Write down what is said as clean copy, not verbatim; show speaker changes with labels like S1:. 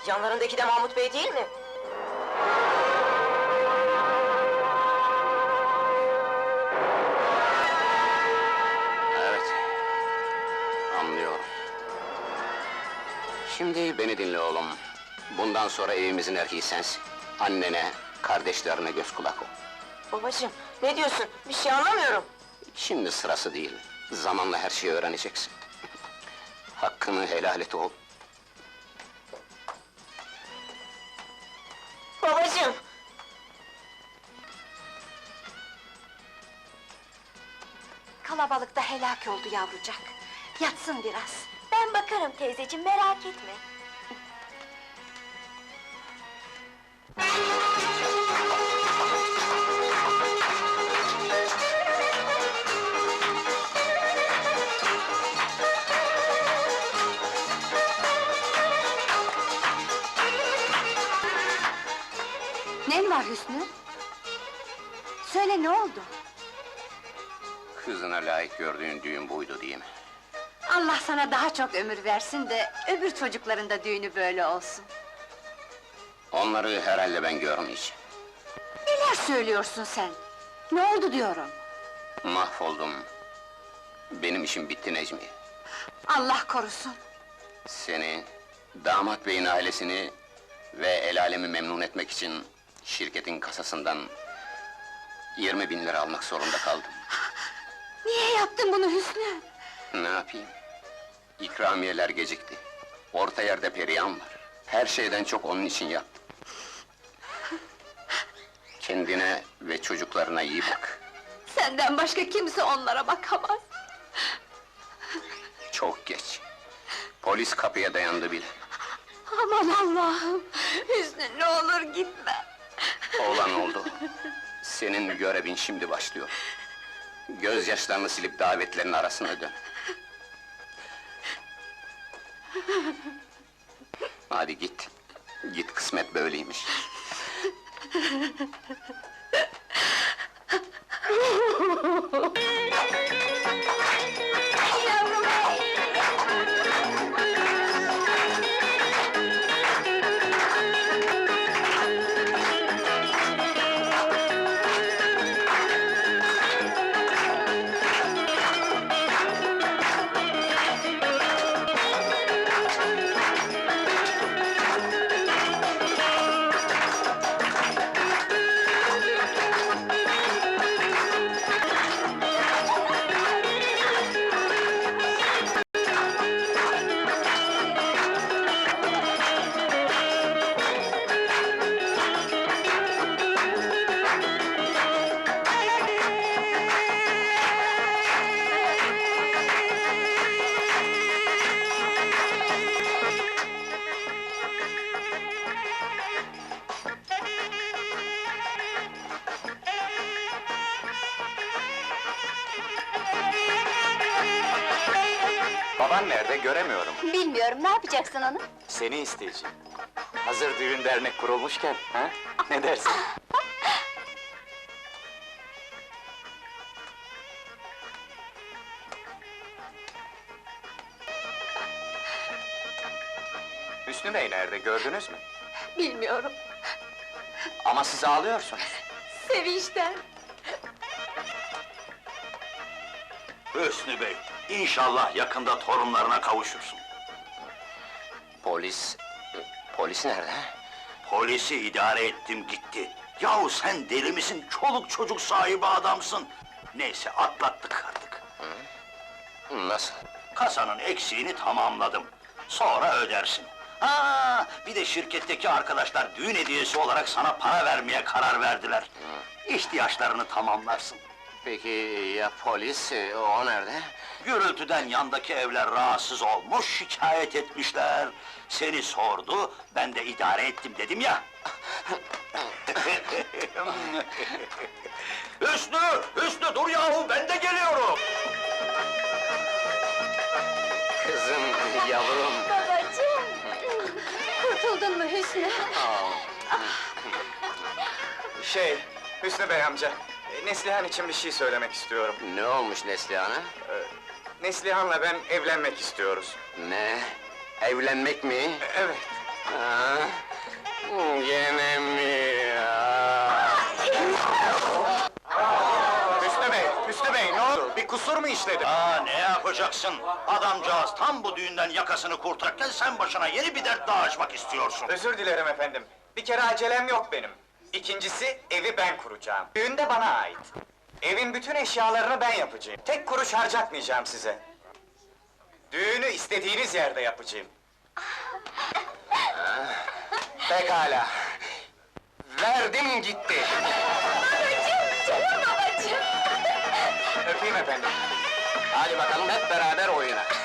S1: Yanlarındaki de Mahmut Bey değil mi?
S2: Evet, anlıyorum. Şimdi beni dinle oğlum. Bundan sonra evimizin erkeği sensin. Annene, kardeşlerine göz kulak ol.
S1: Babacığım, ne diyorsun? Bir şey anlamıyorum.
S2: Şimdi sırası değil. Zamanla her şeyi öğreneceksin. Hakkını helal et oğul.
S1: Babacığım!
S3: Kalabalıkta helak oldu yavrucak. Yatsın biraz.
S4: Ben bakarım teyzeciğim, merak etme.
S3: Ne var Hüsnü? Söyle, ne oldu?
S2: Kızına layık gördüğün düğün buydu değil mi?
S3: Allah sana daha çok ömür versin de öbür çocukların da düğünü böyle olsun.
S2: Onları herhalde ben görmeyeceğim.
S3: Neler söylüyorsun sen? Ne oldu diyorum?
S2: Mahvoldum. Benim işim bitti Necmi.
S3: Allah korusun!
S2: Seni, damat beyin ailesini ve el alemi memnun etmek için şirketin kasasından 20.000 lira almak zorunda kaldım.
S3: Niye yaptın bunu Hüsnü?
S2: Ne yapayım? İkramiyeler gecikti. Orta yerde Perihan var. Her şeyden çok onun için yaptım. Kendine ve çocuklarına iyi bak.
S3: Senden başka kimse onlara bakamaz.
S2: Çok geç. Polis kapıya dayandı bile.
S3: Aman Allah'ım! Hüsnü, ne olur gitme!
S2: Olan oldu. Senin görevin şimdi başlıyor. Gözyaşlarını silip davetlerin arasına dön. Hadi git. Git, kısmet böyleymiş.
S3: Yavrum!
S5: Baban nerede, göremiyorum.
S4: Bilmiyorum, ne yapacaksın onu?
S5: Seni isteyeceğim. Hazır düğün dernek kurulmuşken, ha? Ne dersin? Hüsnü Bey nerede, gördünüz mü?
S3: Bilmiyorum,
S5: Ama siz ağlıyorsunuz.
S3: sevinçten!
S6: Hüsnü Bey, inşallah yakında torunlarına kavuşursun.
S2: Polis nerede?
S6: Polisi idare ettim gitti. Yahu sen deli misin? Çoluk çocuk sahibi adamsın. Neyse atlattık artık.
S2: Nasıl?
S6: Kasanın eksiğini tamamladım. Sonra ödersin. Ha, bir de şirketteki arkadaşlar düğün hediyesi olarak sana para vermeye karar verdiler. İhtiyaçlarını tamamlarsın.
S2: Peki ya polis, o nerede?
S6: Gürültüden yandaki evler rahatsız olmuş, şikayet etmişler. Seni sordu, ben de idare ettim dedim ya. Hüsnü, Hüsnü dur yahu, ben de geliyorum.
S2: Kızım, yavrum!
S4: Babacığım!
S3: Kurtuldun mu Hüsnü?
S5: Hüsnü Bey amca, Neslihan için bir şey söylemek istiyorum.
S2: Ne olmuş Neslihan'a?
S5: Neslihan'la ben evlenmek istiyoruz.
S2: Ne? Evlenmek mi?
S5: Evet.
S2: Gene mi
S5: Hüsnü Bey, ne oldu? Bir kusur mu işledim?
S6: Ne yapacaksın? Adamcağız tam bu düğünden yakasını kurtarırken sen başına yeni bir dert daha açmak istiyorsun.
S5: Özür dilerim efendim. Bir kere acelem yok benim. İkincisi, evi ben kuracağım. Düğün de bana ait. Evin bütün eşyalarını ben yapacağım. Tek kuruş harcatmayacağım size. Düğünü istediğiniz yerde yapacağım. Pekala. Verdim gitti.
S4: Canım babacığım!
S5: Öpeyim efendim.
S2: Hadi bakalım hep beraber oyuna.